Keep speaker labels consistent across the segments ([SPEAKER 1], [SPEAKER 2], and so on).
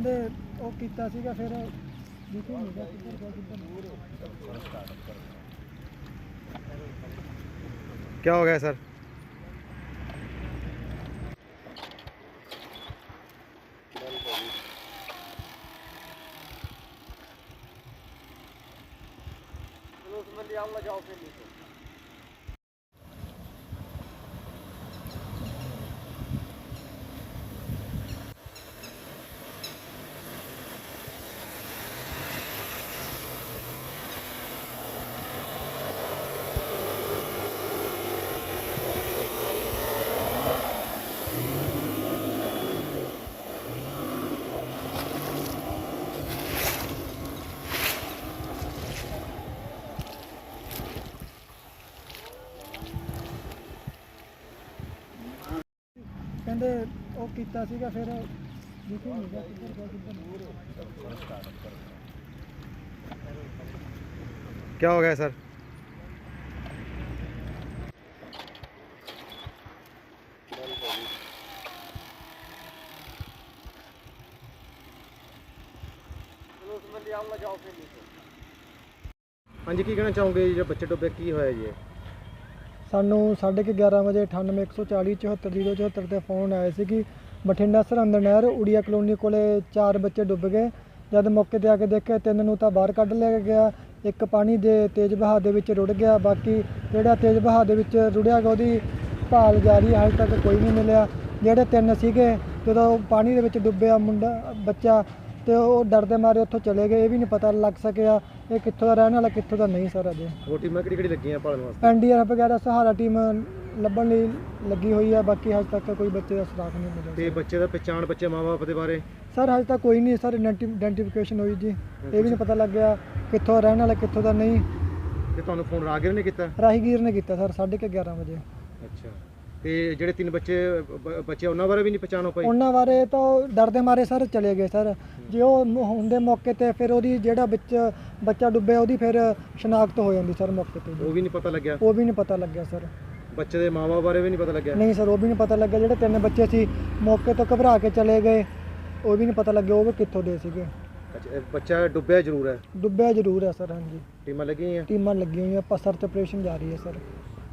[SPEAKER 1] ਕਹਿੰਦੇ ਉਹ ਕੀਤਾ ਸੀਗਾ ਫਿਰ ਦਿਖੇ ਨਹੀਂ ਗਿਆ ਕਿੱਧਰ ਗਿਆ ਕਿੱਧਰ।
[SPEAKER 2] क्या हो गया सर?
[SPEAKER 3] उसमें ले आऊँगा, जाओ फिर नीचे।
[SPEAKER 1] ਕਹਿੰਦੇ ਉਹ ਕੀਤਾ ਸੀਗਾ ਫਿਰ ਦਿਖੇ ਨਹੀਂ ਗਿਆ ਕਿੱਧਰ ਗਿਆ ਕਿੱਧਰ।
[SPEAKER 2] क्या हो गया सर?
[SPEAKER 3] उसमें ले आऊँगा, जाओ फिर नीचे।
[SPEAKER 2] हाँ जी, की कहना चाहोगे जो बच्चे डुबे की होया जी?
[SPEAKER 1] ਸਾਨੂੰ 11:30 ਵਜੇ 98 140 74 074 ਤੇ ਫੋਨ ਆਇਆ ਸੀ ਕਿ ਬਠਿੰਡਾ ਸਰਹੰਦ ਨਹਿਰ ਉੜੀਆ ਕਲੋਨੀ ਕੋਲੇ 4 ਬੱਚੇ ਡੁੱਬ ਗਏ। ਜਦ ਮੌਕੇ ਤੇ ਆ ਕੇ ਦੇਖਿਆ 3 ਨੂੰ ਤਾਂ ਬਾਹਰ ਕੱਢ ਲਿਆ ਗਿਆ, ਇੱਕ ਪਾਣੀ ਦੇ ਤੇਜ਼ ਵਹਾਅ ਦੇ ਵਿੱਚ ਰੁੜ ਗਿਆ, ਬਾਕੀ ਜਿਹੜਾ ਤੇਜ਼ ਵਹਾਅ ਦੇ ਵਿੱਚ ਰੁੜਿਆ ਗਿਆ ਉਹਦੀ ਭਾਲ ਜਾਰੀ ਹੈ, ਹਜੇ ਤੱਕ ਕੋਈ ਨਹੀਂ ਮਿਲਿਆ। ਜਿਹੜੇ 3 ਸੀਗੇ ਜਦੋਂ ਪਾਣੀ ਦੇ ਵਿੱਚ ਡੁੱਬਿਆ ਬੱਚਾ ਤੇ ਉਹ ਡਰਦੇ ਮਾਰੇ ਉੱਥੋਂ ਚਲੇ ਗਏ। ਇਹ ਵੀ ਨਹੀਂ ਪਤਾ ਲੱਗ ਸਕਿਆ ਇਹ ਕਿੱਥੋਂ ਦਾ ਰਹਿਣ ਵਾਲਾ ਕਿੱਥੋਂ ਦਾ ਨਹੀਂ ਸਰ। ਅਜੇ
[SPEAKER 2] वो टीमां किहड़ी ਲੱਗੀਆਂ ਭਾਲਣ ਵਾਸਤੇ?
[SPEAKER 1] NDRF ਵਗੈਰਾ ਸਹਾਰਾ ਟੀਮ ਲੱਭਣ ਲਈ ਲੱਗੀ ਹੋਈ ਹੈ, ਬਾਕੀ ਹਜੇ ਤੱਕ ਕੋਈ ਬੱਚੇ ਦਾ ਸੁਰਾਗ ਨਹੀਂ ਮਿਲਿਆ।
[SPEAKER 2] ਤੇ ਬੱਚੇ ਦਾ ਪਛਾਣ ਬੱਚੇ ਮਾਂ-ਬਾਪ ਦੇ ਬਾਰੇ
[SPEAKER 1] ਸਰ ਹਜੇ ਤੱਕ ਕੋਈ ਨਹੀਂ ਸਰ ਆਇਡੈਂਟੀਫਿਕੇਸ਼ਨ ਹੋਈ ਜੀ, ਇਹ ਵੀ ਨਹੀਂ ਪਤਾ ਲੱਗਿਆ ਕਿੱਥੋਂ ਰਹਿਣ ਵਾਲਾ ਕਿੱਥੋਂ ਦਾ ਨਹੀਂ।
[SPEAKER 2] ਤੇ ਤੁਹਾਨੂੰ ਫੋਨ ਰਾਹਗੀਰ ਨੇ ਕੀਤਾ?
[SPEAKER 1] ਰਾਹੀਗੀਰ ਨੇ ਕੀਤਾ ਸਰ 11:30 ਵਜੇ।
[SPEAKER 2] ਅੱਛਾ, ਤੇ ਜਿਹੜੇ 3 ਬੱਚੇ ਉਹਨਾਂ ਬਾਰੇ ਵੀ ਨਹੀਂ ਪਛਾਣ ਹੋ ਪਾਈ?
[SPEAKER 1] ਉਹਨਾਂ ਬਾਰੇ ਤਾਂ ਡਰਦੇ ਮਾਰੇ ਸਰ ਚਲੇ ਗਏ ਸਰ। ਜੇ ਉਹ ਹੁੰਦੇ ਮੌਕੇ ਤੇ ਫਿਰ ਉਹਦੀ ਜਿਹੜਾ ਬੱਚਾ ਡੁੱਬਿਆ ਉਹਦੀ ਫਿਰ ਸ਼ਨਾਖਤ ਹੋ ਜਾਂਦੀ ਸਰ ਮੌਕੇ ਤੇ।
[SPEAKER 2] ਉਹ ਵੀ ਨਹੀਂ ਪਤਾ ਲੱਗਿਆ?
[SPEAKER 1] ਉਹ ਵੀ ਨਹੀਂ ਪਤਾ ਲੱਗਿਆ ਸਰ।
[SPEAKER 2] ਬੱਚੇ ਦੇ ਮਾਂ-ਬਾਪ ਬਾਰੇ ਵੀ ਨਹੀਂ ਪਤਾ ਲੱਗਿਆ?
[SPEAKER 1] ਨਹੀਂ ਸਰ, ਉਹ ਵੀ ਨਹੀਂ ਪਤਾ ਲੱਗਿਆ। ਜਿਹੜੇ 3 ਬੱਚੇ ਸੀ ਮੌਕੇ ਤੋਂ ਘਬਰਾ ਕੇ ਚਲੇ ਗਏ, ਉਹ ਵੀ ਨਹੀਂ ਪਤਾ ਲੱਗਿਆ ਉਹ ਵੀ ਕਿੱਥੋਂ ਦੇ ਸੀਗੇ।
[SPEAKER 2] ਅੱਛਾ, ਬੱਚਾ ਡੁੱਬਿਆ ਜ਼ਰੂਰ ਹੈ?
[SPEAKER 1] ਡੁੱਬਿਆ ਜ਼ਰੂਰ ਹੈ ਸਰ। ਹਾਂਜੀ,
[SPEAKER 2] ਟੀਮਾਂ ਲੱਗੀਆਂ ਹੋਈਆਂ?
[SPEAKER 1] ਟੀਮਾਂ ਲੱਗੀਆਂ ਹੋਈਆਂ, ਆਪਾਂ ਸਰਚ ਆਪਰੇਸ਼ਨ ਜਾਰੀ ਹੈ ਸਰ।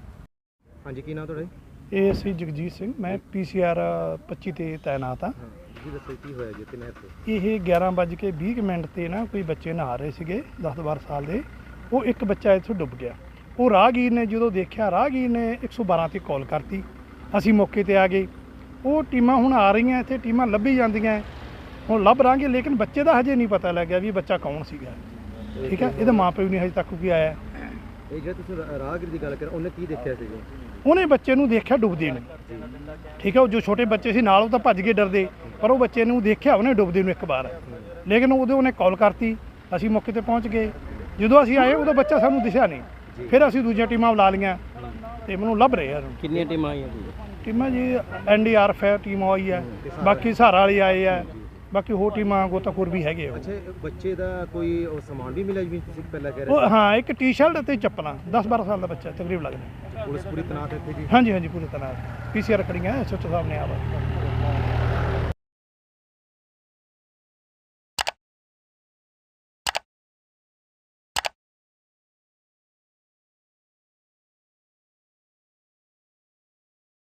[SPEAKER 2] ਹਾਂਜੀ, ਕੀ ਨਾਮ ਤੁਹਾਡਾ?
[SPEAKER 4] ਇਹ ਸੀ ਜਗਜੀਤ ਸਿੰਘ, ਮੈਂ PCR 25 ਤੇ ਤਾਇਨਾਤ ਹਾਂ।
[SPEAKER 2] ਜੀ ਦੱਸੋ ਕੀ ਹੋਇਆ ਜੀ ਨਹਿਰ ਤੇ?
[SPEAKER 4] ਇਹ 11:20 ਤੇ ਨਾ ਕੋਈ ਬੱਚੇ ਨਹਾ ਰਹੇ ਸੀਗੇ 10-12 ਸਾਲ ਦੇ। ਉਹ ਇੱਕ ਬੱਚਾ ਇੱਥੋਂ ਡੁੱਬ ਗਿਆ। ਉਹ ਰਾਹਗੀਰ ਨੇ ਜਦੋਂ ਦੇਖਿਆ, ਰਾਹਗੀਰ ਨੇ 112 ਤੇ ਕਾਲ ਕਰਤੀ। ਅਸੀਂ ਮੌਕੇ ਤੇ ਆ ਗਏ। ਉਹ ਟੀਮਾਂ ਹੁਣ ਆ ਰਹੀਆਂ, ਇੱਥੇ ਟੀਮਾਂ ਲੱਭੀ ਜਾਂਦੀਆਂ, ਹੁਣ ਲੱਭ ਰਾਂਗੇ, ਲੇਕਿਨ ਬੱਚੇ ਦਾ ਹਜੇ ਨਹੀਂ ਪਤਾ ਲੱਗਿਆ ਵੀ ਬੱਚਾ ਕੌਣ ਸੀਗਾ। ਠੀਕ ਹੈ, ਇਹਦਾ ਮਾਂ ਪਿਓ ਨਹੀਂ ਹਜੇ ਤੱਕ ਕੋਈ ਆਇਆ।
[SPEAKER 2] ਇਹ ਜਿਹੜਾ ਤੁਸੀਂ ਰਾਹਗੀਰ ਦੀ ਗੱਲ ਕਰ, ਉਹਨੇ ਕੀ ਦੇਖਿਆ ਸੀ ਜੀ?
[SPEAKER 4] ਉਹਨੇ ਬੱਚੇ ਨੂੰ ਦੇਖਿਆ ਡੁੱਬਦੇ ਨੂੰ। ਠੀਕ ਹੈ, ਉਹ ਜੋ ਛੋਟੇ ਬੱਚੇ ਸੀ ਨਾਲ ਉਹ ਤਾਂ ਭੱਜ ਕੇ ਡਰਦੇ, ਪਰ ਉਹ ਬੱਚੇ ਨੂੰ ਦੇਖਿਆ ਉਹਨੇ ਡੁੱਬਦੇ ਨੂੰ ਇੱਕ ਵਾਰ, ਲੇਕਿਨ ਉਹਨੇ ਕਾਲ ਕਰਤੀ। ਅਸੀਂ ਮੌਕੇ ਤੇ ਪਹੁੰਚ ਗਏ। ਜਦੋਂ ਅਸੀਂ ਆਏ ਉਹਦਾ ਬੱਚਾ ਸਾਨੂੰ ਦਿਸਿਆ ਨਹੀਂ। ਫਿਰ ਅਸੀਂ ਦੂਜੀਆਂ ਟੀਮਾਂ ਬੁਲਾ ਲਈਆਂ ਤੇ ਮੈਨੂੰ ਲੱਭ ਰਹੇ ਆ।
[SPEAKER 3] ਕਿੰਨੀਆਂ ਟੀਮਾਂ ਆਈਆਂ ਜੀ?
[SPEAKER 4] ਟੀਮਾਂ ਜੀ NDRF ਹੈ, ਟੀਮ ਆਈ ਹੈ, ਬਾਕੀ ਸਹਾਰਾ ਵਾਲੇ ਆਏ ਆ, ਬਾਕੀ ਹੋਰ ਟੀਮਾਂ ਗੋਤਾਖੋਰ ਵੀ ਹੈਗੇ ਆ।
[SPEAKER 2] ਅੱਛਾ, ਬੱਚੇ ਦਾ ਕੋਈ ਉਹ ਸਮਾਨ ਵੀ ਮਿਲਿਆ ਜਿਵੇਂ ਤੁਸੀਂ ਪਹਿਲਾਂ ਕਹਿ ਰਹੇ
[SPEAKER 4] ਉਹ ਹਾਂ, ਇੱਕ ਟੀ-ਸ਼ਰਟ ਅਤੇ ਚੱਪਲਾਂ, 10-12 ਸਾਲ ਦਾ ਬੱਚਾ ਤਕਰੀਬ ਲੱਗਦਾ।
[SPEAKER 2] ਪੁਲਿਸ ਪੂਰੀ ਤੈਨਾਤ ਇੱਥੇ ਜੀ?
[SPEAKER 4] ਹਾਂਜੀ, ਪੂਰੀ ਤਰ੍ਹਾਂ PCR ਖੜੀਆਂ, SHO ਸਾਹਿਬ ਨੇ ਆਵਾ।